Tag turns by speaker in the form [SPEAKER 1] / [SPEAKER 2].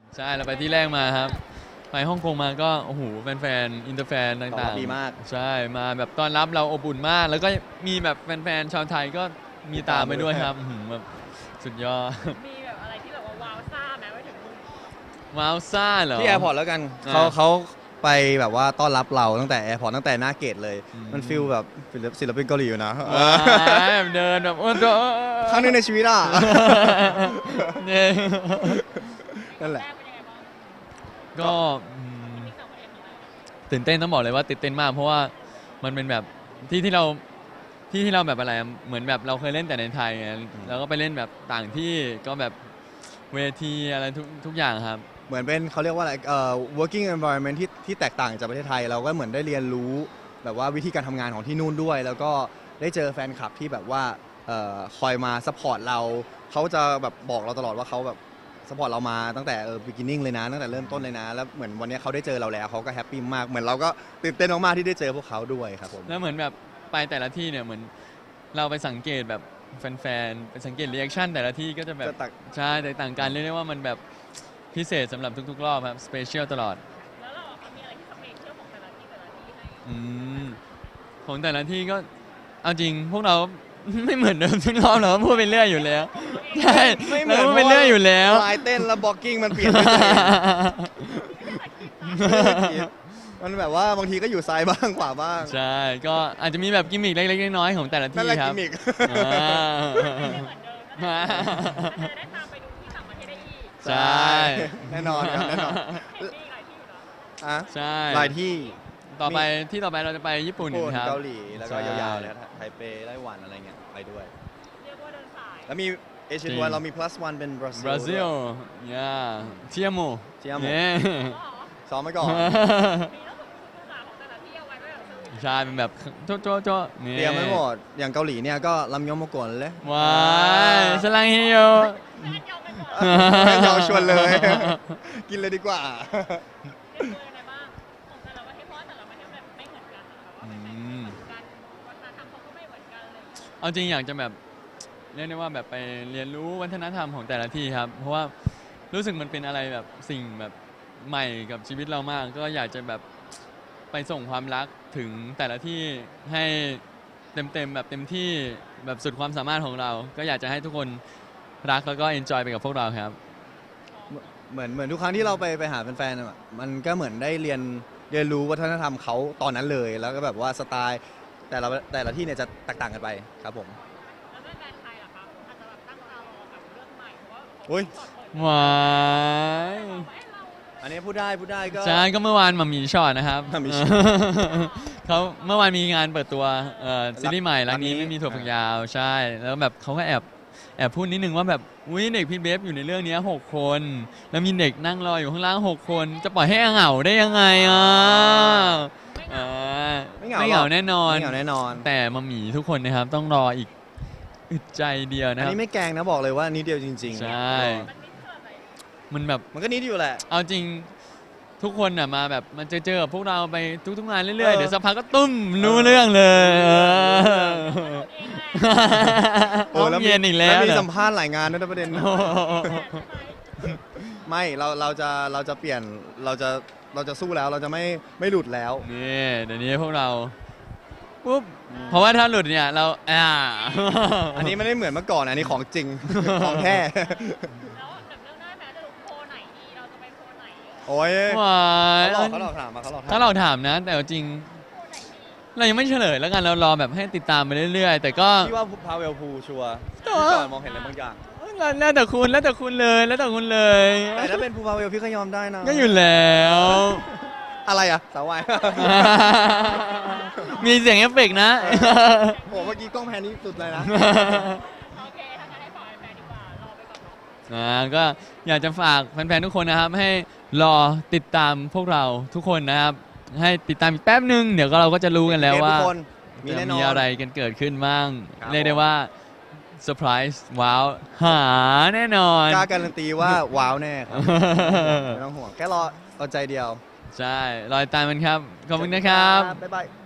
[SPEAKER 1] ใช่เราไปที่แรกมาครับไปฮ่องกงมาก็โอ้โหแฟนๆอินเตอร์แฟนต่างๆ
[SPEAKER 2] ดีมาก
[SPEAKER 1] ใช่มาแบบต้อนรับเราอบอุ่นมาก แล้วก็มีแบบแฟนๆชาวไทยก็มีตามไปด้วยครับแบบสุดยอด
[SPEAKER 3] มีแบบอะไรที่แบบว่าว้าวซ่าไหมไปถึงมึง
[SPEAKER 1] ว้าวซ่าเหรอ
[SPEAKER 2] ที่แอร์พอร์ตแล้วกันเขาไปแบบว่าต้อนรับเราตั้งแต่แอร์พอร์ตตั้งแต่หน้าเกตเลย มันฟิลแบบศิลปินเกาหลีอยู่นะ
[SPEAKER 1] แบบเดินแบบโอ้โห
[SPEAKER 2] ครั้งหนึงในชีวิตอ่ะ
[SPEAKER 1] เนี่ย
[SPEAKER 2] นั่นแหละ
[SPEAKER 3] แรกเป็นยังไงบ้าง
[SPEAKER 1] ก็
[SPEAKER 3] ที่ต่างประเทศของเรา
[SPEAKER 1] ตื่นเต้นต้องบอกเลยว่าตื่นเต้นมากเพราะว่ามันเป็นแบบที่เราแบบอะไรอะเหมือนแบบเราเคยเล่นแต่ในไทยไงแล้วก็ไปเล่นแบบต่างที่ก็แบบเวทีอะไรทุกอย่างครับ
[SPEAKER 2] เหมือนเป็นเขาเรียกว่าอะไรworking environment ที่แตกต่างจากประเทศไทยเราก็เหมือนได้เรียนรู้แบบว่าวิธีการทำงานของที่นู่นด้วย แล้วก็ได้เจอแฟนคลับที่แบบว่าคอยมาซัพพอร์ตเราเขาจะแบบบอกเราตลอดว่าเขาแบบซัพพอร์ตเรามาตั้งแต่beginning เลยนะตั้งแต่เริ่มต้นเลยนะแล้วเหมือนวันนี้เขาได้เจอเราแล้วเขาก็แฮปปี้มากเหมือนเราก็ตื่นเต้นมากๆที่ได้เจอพวกเขาด้วยครับผม
[SPEAKER 1] แล้วเหมือนแบบไปแต่ละที่เนี่ยเหมือนเราไปสังเกตแบบแฟนๆไปสังเกตรีแอคชั่นแต่ละที่ก็จะแบบ
[SPEAKER 2] จะต่าง
[SPEAKER 1] ใช่แตกต่างกันเรียกได้ว่ามันแบบพิเศษสำหรับทุกๆรอบครับสเปเชียลตลอด
[SPEAKER 3] แล้วเราอะมีอะไรที่สเปเชียลของแต่ละที่ให้
[SPEAKER 1] อืมของแต่ละที่ก็เอาจริงพวกเรา ไม่เหมือนเดิมทุกรอบเราก็พูดไปเรื่อยอยู่แล้วใช่
[SPEAKER 2] ไม่เหมือน
[SPEAKER 1] ราพูดไปเรื่อยอยู่แล้ว
[SPEAKER 2] ลายเต้นแล้วบล็อกกิ้งมันเปลี่ยนไปเลย มันแบบว่าบางทีก็อยู่ซ้ายบ้างขวาบ้าง
[SPEAKER 1] ใช่ก็อาจจะมีแบบกิมมิคเล็กๆน้อยๆของแต่ละ
[SPEAKER 2] นั่น
[SPEAKER 1] ที่
[SPEAKER 2] แหละ
[SPEAKER 1] ครั
[SPEAKER 2] กิ
[SPEAKER 1] บ
[SPEAKER 2] มมิก
[SPEAKER 1] อ่า
[SPEAKER 3] ไม่เหมือนเดิมนั่นแหละจะได้ตามไปดูที่ต่างประเทศได้อีก
[SPEAKER 1] ใช่
[SPEAKER 2] แน่นอนครับแน่นอน
[SPEAKER 3] มีหลายที่อยู่นะ
[SPEAKER 2] อ่ะ
[SPEAKER 1] ใช่
[SPEAKER 2] หลายที่
[SPEAKER 1] ต่อไปที่ต่อไปเราจะไปญี่ปุ่น
[SPEAKER 2] ญี่ปุ่น
[SPEAKER 1] ครับ
[SPEAKER 2] เกาหลีแล้วก็
[SPEAKER 1] ใช่
[SPEAKER 2] ยาวๆเลยครับไทเปไต้หวันอะไรเงี้ยไปด้วย
[SPEAKER 3] เรียกว่าเดินสาย
[SPEAKER 2] แล้วมีเอเชีย
[SPEAKER 1] จริ
[SPEAKER 2] น
[SPEAKER 1] ง
[SPEAKER 2] วันเรามี plus one เป็นบราซิล
[SPEAKER 1] บราซิลย่าเทียโม
[SPEAKER 2] Tiamo
[SPEAKER 1] เนี่ย
[SPEAKER 3] ก็เหรอ
[SPEAKER 2] ซ้อมไว้ก่อน
[SPEAKER 3] มีแล้วถึงภาษาของแต่ละที่เอาไว้ก็แบบสรุป
[SPEAKER 1] ใช่เป็นแบบโจ๊ะนี่
[SPEAKER 2] เตรียมไว้หมด อย่างเกาหลีเนี่ยก็ลำยองมากวนเลย
[SPEAKER 1] ว้ายสลังเฮโย
[SPEAKER 3] แยกยอมไปก่อน
[SPEAKER 2] ไม่ยอมชวนเลย กินเลยดีกว่า
[SPEAKER 3] เป็นตัวยังไงบ้างของแต่ละประเทศเพราะว่าแต่ละประเทศแบบไม่เหมือนกันนะคะว่าเป็นการวัฒนธรรมเขาก็ไม่เหมือนกันเลย
[SPEAKER 1] เอาจริงอยากจะแบบเรียกได้ว่าแบบไปเรียนรู้วัฒนธรรมของแต่ละที่ครับ เพราะว่ารู้สึกมันเป็นอะไรแบบสิ่งแบบใหม่กับชีวิตเรามาก ก็อยากจะแบบไปส่งความรักถึงแต่ละที่ให้เต็มแบบเต็มที่แบบสุดความสามารถของเรา ก็อยากจะให้ทุกคนรักแล้วก็เอนจอยไปกับพวกเราครับ
[SPEAKER 2] เหมือนทุกครั้งที่เราไปหาแฟนๆอะมันก็เหมือนได้เรียนรู้วัฒนธรรมเขาตอนนั้นเลย แล้วก็แบบว่าสไตล์แต่ละที่เนี่ยจะแตกต่างกันไปครับผม
[SPEAKER 3] แล้วแฟนๆไทยล่ะคะอาจจะแบบตั้งตารอกับเรื่องใหม่เพราะว่า
[SPEAKER 2] อุ๊ย
[SPEAKER 1] หวาย
[SPEAKER 2] อันนี้พูดได้ก็
[SPEAKER 1] ใช่ก็เมื่อวานมามีช็อตนะครับ
[SPEAKER 2] หม่ามีช็อต
[SPEAKER 1] เขาเมื่อวานมีงานเปิดตัวซีรีส์ใหม่รักนี้
[SPEAKER 2] รักนี้
[SPEAKER 1] ไม่มีถั่วฝักยาวใช่ แล้วแบบเขาก็แอบพูดนิดนึงว่าแบบอุ้ยเด็กพี่เบฟอยู่ในเรื่องนี้6 คน แล้วมีเด็กนั่งรออยู่ข้างล่าง6 คน จะปล่อยให้เหงาได้ยังไงอ่ะอ่า
[SPEAKER 2] ไม่เหงา
[SPEAKER 1] ไม่เหงา
[SPEAKER 2] หรอก
[SPEAKER 1] แน่นอน
[SPEAKER 2] ไม่เหงาแน่นอน
[SPEAKER 1] แต่มามีทุกคนนะครับต้องรออีกอึดใจเดียว
[SPEAKER 2] อั
[SPEAKER 1] นะ
[SPEAKER 2] น
[SPEAKER 1] ครับ
[SPEAKER 2] นี้ไม่แกล้งนะบอกเลยว่านิดเดียวจริงๆ
[SPEAKER 1] ใช่ มันแบบ
[SPEAKER 2] มันก็นิดอยู่แหละ
[SPEAKER 1] เอาจริงทุกคนน่ะมาแบบมันเจอกับพวกเราไปทุกๆงานเรื่อยๆ เดี๋ยวสักพักก็ตุ้มรู้เรื่องเลยห้องเย็นอีกแล้ว
[SPEAKER 2] มี
[SPEAKER 1] เหรอ
[SPEAKER 2] สัมภาษณ์หลายงานด้วยนะประเด็น ไม่เราจะเปลี่ยนเราจะสู้แล้วเราจะไม่หลุดแล้ว
[SPEAKER 1] นี่เดี๋ยวนี้พวกเราปุ๊บเพราะว่าถ้าหลุดเนี่ยเรา
[SPEAKER 2] อันนี้ไม่ได้เหมือนเมื่อก่อนอันนี้ของจริง ของแท้
[SPEAKER 3] แล้วแบบเรื่องได้ไหมจะดูโพลไหนดีเราจะไปโพลไหน
[SPEAKER 2] โอ้ย
[SPEAKER 1] หวาย
[SPEAKER 2] เขาหลอกถามมาเขาหลอกถาม
[SPEAKER 1] ถ้าเราถามนะ แต่เอาจริง เรายังไม่เฉลยแล้วกันเรารอแบบให้ติดตามไปเรื่อยๆ แต่ก็
[SPEAKER 2] พี่ว่าพาเวลพูชัวร์
[SPEAKER 1] ตัว
[SPEAKER 2] พี่ก่อนมองเห็นอะไรบางอย่าง
[SPEAKER 1] แล้วแต่คุณแล้วแต่คุณเลยแล้วแต่คุณเลย
[SPEAKER 2] แต่ถ้าเป็นภูพาเวลพี่ก็ยอมได้นะ
[SPEAKER 1] ก็อยู่แล้ว
[SPEAKER 2] อะไรอะสาววาย
[SPEAKER 1] มีเสียงเอฟเฟกต์นะ
[SPEAKER 2] โอ้เมื่อกี้กล้องแพนนี้สุดเลยนะ
[SPEAKER 3] โอเคถ้างั้นให้ฝากแฟนๆดีกว่ารอไปก่อนเนาะ
[SPEAKER 1] ก็อยากจะฝากแฟนๆทุกคนนะครับ ให้รอติดตามพวกเราทุกคนนะครับ ให้ติดตามอีกแป๊บนึง เดี๋ยวเราก็จะรู้กันแล้วว่า
[SPEAKER 2] ทุกคนมี
[SPEAKER 1] จะ
[SPEAKER 2] แน่นอน
[SPEAKER 1] มีอะไรกันเกิดขึ้นบ้าง
[SPEAKER 2] ครับ
[SPEAKER 1] เรียกได้ว่าเซอร์ไพรส์ว้าวหาแน่นอน
[SPEAKER 2] กล้าการันตีว่าว้าวแน่ครับไม่ต้องห่วงแค่รอเอาใจเดียว
[SPEAKER 1] ใช่รอติดตามมันครับ ขอบคุณนะครับ
[SPEAKER 2] บ๊ายบาย